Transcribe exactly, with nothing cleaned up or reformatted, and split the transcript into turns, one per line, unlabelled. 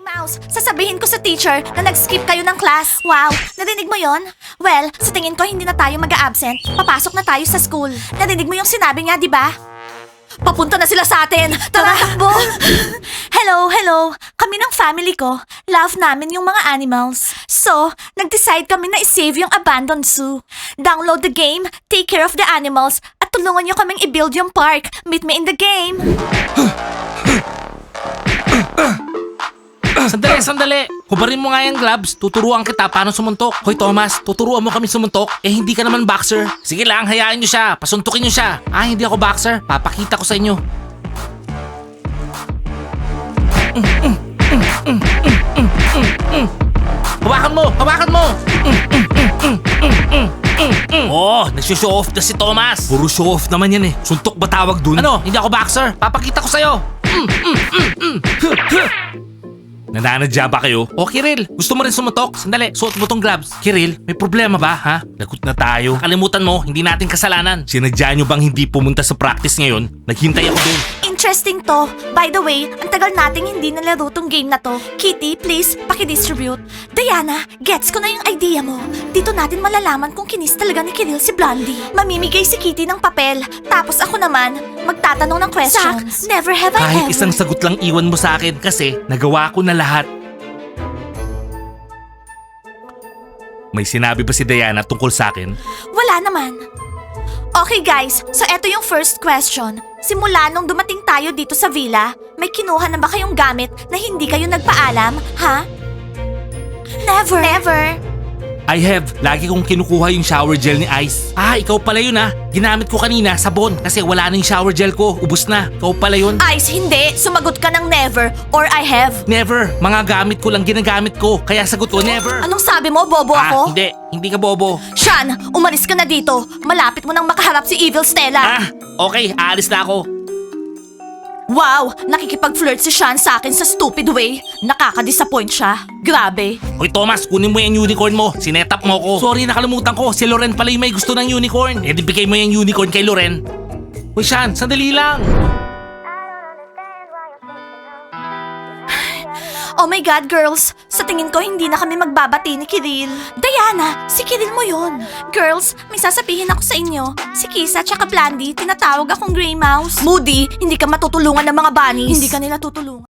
Mouse, sasabihin ko sa teacher na nag-skip kayo ng class. Wow, narinig mo yon? Well, sa tingin ko hindi na tayo mag-a-absent. Papasok na tayo sa school. Narinig mo yung sinabi niya, di ba? Papunta na sila sa atin! Tara, takbo! Hello, hello! Kami ng family ko, love namin yung mga animals. So, nag-decide kami na isave yung abandoned zoo. Download the game, take care of the animals, at tulungan nyo kaming i-build yung park. Meet me in the game!
Sandali, sandali. Hubarin mo nga yung gloves. Tuturuan kita paano sumuntok. Hoy Thomas, tuturuan mo kami sumuntok. Eh hindi ka naman boxer. Sige lang, hayaan nyo siya. Pasuntukin nyo siya. Ah, hindi ako boxer. Papakita ko sa inyo. Mm, mm, mm, mm, mm, mm, mm, mm. Hawakan mo! Hawakan mo! Mm, mm, mm, mm, mm, mm, mm, mm. Oh, nagsushow off na si Thomas. Puro show off naman yan eh. Suntok ba tawag dun? Ano? Hindi ako boxer. Papakita ko sa'yo. Mm, mm, mm, mm. Huh, huh. Nananadya ba kayo? O Kiril, gusto mo rin sumuntok? Sandali, suot mo tong gloves. Kiril, may problema ba ha? Lagot na tayo. Kalimutan mo, hindi natin kasalanan. Sinadya nyo bang hindi pumunta sa practice ngayon? Naghintay ako doon.
Interesting to. By the way, ang tagal nating hindi nalaro tong game na to. Kitty, please, pakidistribute. Diana, gets ko na yung idea mo. Dito natin malalaman kung kinis talaga ni Kiril si Blondie. Mamimigay si Kitty ng papel. Tapos ako naman, magtatanong ng questions. Zach, never have I
Kahit
ever...
isang sagot lang iwan mo sa akin kasi nagawa ko na lahat. May sinabi ba si Diana tungkol sa akin?
Wala naman. Okay guys, so eto yung first question. Simula nung dumating tayo dito sa villa, may kinuha na ba kayong gamit na hindi kayo nagpaalam, ha? Never. Never.
I have. Lagi kong kinukuha yung shower gel ni Ice. Ah, ikaw pala yun ah. Ginamit ko kanina, sabon. Kasi wala na yung shower gel ko. Ubus na. Ikaw pala yun.
Ice, hindi. Sumagot ka ng never or I have.
Never. Mga gamit ko lang ginagamit ko. Kaya sagot ko, never.
Anong sabi mo, bobo
Ah,
ako?
hindi. Hindi ka bobo.
Sean, umalis ka na dito. Malapit mo nang makaharap si Evil Stella.
Ah, okay. Aalis na ako.
Wow, nakikipag-flirt si Sean sa akin sa stupid way. Nakaka-disappoint siya. Grabe.
Hoy Thomas, kunin mo yung unicorn mo. Sinetap mo ko. Sorry, nakalimutan ko. Si Loren pala yung may gusto ng unicorn. Eh, di bigay mo yung unicorn kay Loren. Hoy Sean, sandali lang.
Oh my God, girls! Sa tingin ko, hindi na kami magbabati ni Kiril. Diana, si Kiril mo yon. Girls, may sasabihin ako sa inyo. Si Kisa tsaka Blandy, tinatawag akong Grey Mouse. Moody, hindi ka matutulungan ng mga bunnies. Hindi ka nila tutulungan.